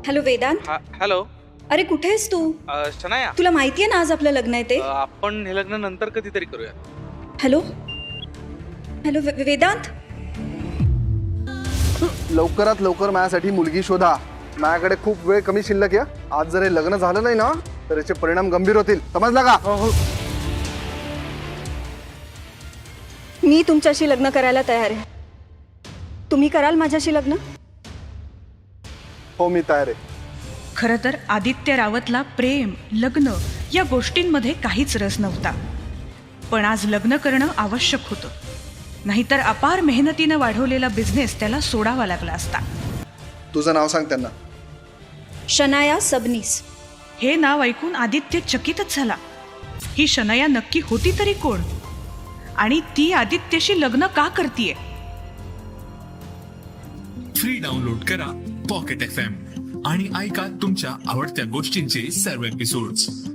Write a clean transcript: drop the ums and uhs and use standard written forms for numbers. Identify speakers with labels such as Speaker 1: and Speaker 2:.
Speaker 1: Hello Vedanta.
Speaker 2: Hello.
Speaker 1: अरे कुठे आहेस तू?
Speaker 2: शनाया,
Speaker 1: तुला माहितीये ना आज आपलं लग्न आहे ते.
Speaker 2: आपण हे लग्न नंतर कधीतरी करूया.
Speaker 1: Hello hello Vedant.
Speaker 3: लवकरात लवकर माझ्यासाठी मुलगी शोधा. माझ्याकडे खूप वेळ कमी शिल्लक आहे. आज जर हे लग्न झालं नाही ना तर याचे परिणाम गंभीर होतील. समजला का?
Speaker 1: मी तुमच्याशी लग्न करायला तयार आहे. तुम्ही कराल माझ्याशी लग्न?
Speaker 3: हो, मी तयार आहे.
Speaker 4: खरं तर आदित्य रावतला प्रेम लग्न या गोष्टींमध्ये काहीच रस नव्हता, पण आज लग्न करणं आवश्यक होतं. नाहीतर अपार मेहनतीनं वाढवलेला बिझनेस त्याला सोडावा लागला असता.
Speaker 3: तुझं नाव सांग त्यांना.
Speaker 1: शनाया सबनीस.
Speaker 4: हे नाव ऐकून आदित्य चकितच झाला. ही शनया नक्की होती तरी कोण, आणि ती आदित्यशी लग्न का करतीये?
Speaker 5: फ्री डाउनलोड करा पॉकेट FM आणि ऐका तुमच्या आवडत्या गोष्टींचे सर्व एपिसोड्स.